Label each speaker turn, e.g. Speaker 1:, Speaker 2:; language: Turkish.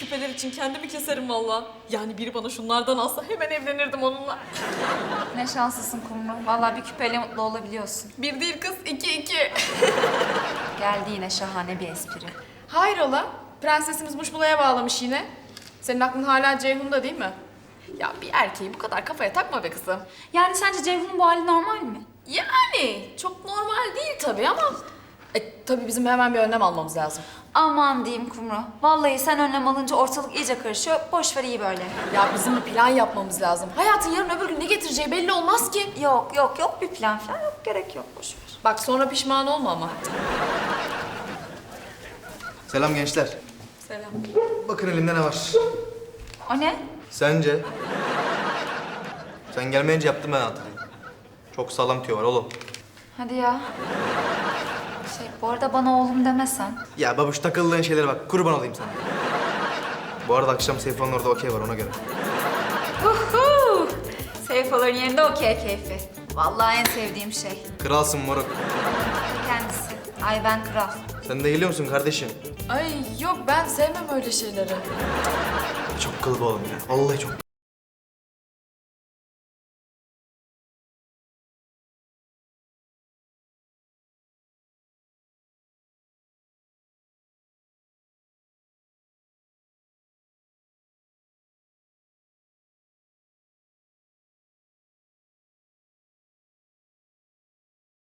Speaker 1: küpeler için kendimi keserim valla. Yani biri bana şunlardan alsa hemen evlenirdim onunla.
Speaker 2: Ne şanslısın Kumru. Vallahi bir küpeyle mutlu olabiliyorsun.
Speaker 1: Bir değil kız, iki.
Speaker 2: Geldi yine şahane bir espri.
Speaker 3: Hayrola? Prensesimiz Muşmula'ya bağlamış yine. Senin aklın hala Ceyhun'da değil mi? Ya bir erkeği bu kadar kafaya takma be kızım.
Speaker 2: Yani sence Ceyhun'un bu hali normal mi?
Speaker 3: Yani çok normal değil tabii ama... tabii bizim hemen bir önlem almamız lazım.
Speaker 2: Aman diyeyim Kumru. Vallahi sen önlem alınca ortalık iyice karışıyor. Boş ver iyi böyle.
Speaker 3: Ya bizim bir plan yapmamız lazım. Hayatın yarın öbür gün ne getireceği belli olmaz ki.
Speaker 2: Yok bir plan falan yok. Gerek yok boş ver.
Speaker 3: Bak sonra pişman olma ama.
Speaker 4: Selam gençler.
Speaker 3: Selam.
Speaker 4: Bakın elimde ne var.
Speaker 2: O ne?
Speaker 4: Sence? Sen gelmeyince yaptım ben hatırlayayım. Çok sağlam tüyo var oğlum.
Speaker 2: Hadi ya. Bu arada bana oğlum demesen.
Speaker 4: Ya babuş takıldığın şeylere bak. Kurban olayım sana. Bu arada akşam Seyfo'nun orada okey var ona göre.
Speaker 2: Seyfoların yerinde okey keyfi. Vallahi en sevdiğim şey.
Speaker 4: Kralsın moruk.
Speaker 2: Kendisi. Ay ben kral.
Speaker 4: Sen de geliyor musun kardeşim?
Speaker 3: Ay yok ben sevmem öyle şeyleri.
Speaker 4: Çok kılıbı oğlum ya. Vallahi çok.